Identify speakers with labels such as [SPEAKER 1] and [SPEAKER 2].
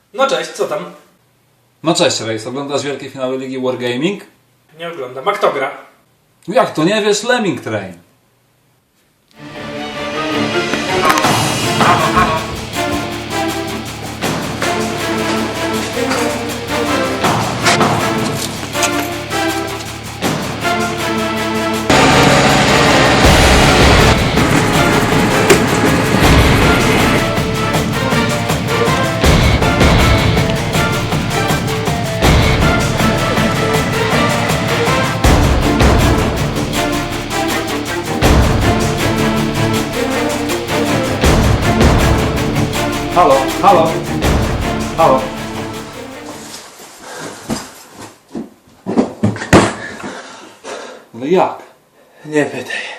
[SPEAKER 1] No cześć, co tam?
[SPEAKER 2] No cześć Rejs, oglądasz wielkie finały Ligi Wargaming?
[SPEAKER 1] Nie oglądam. A kto gra?
[SPEAKER 2] Jak to nie wiesz? Lemming Train. Halo, halo, halo. Ale jak?
[SPEAKER 3] Nie pytaj.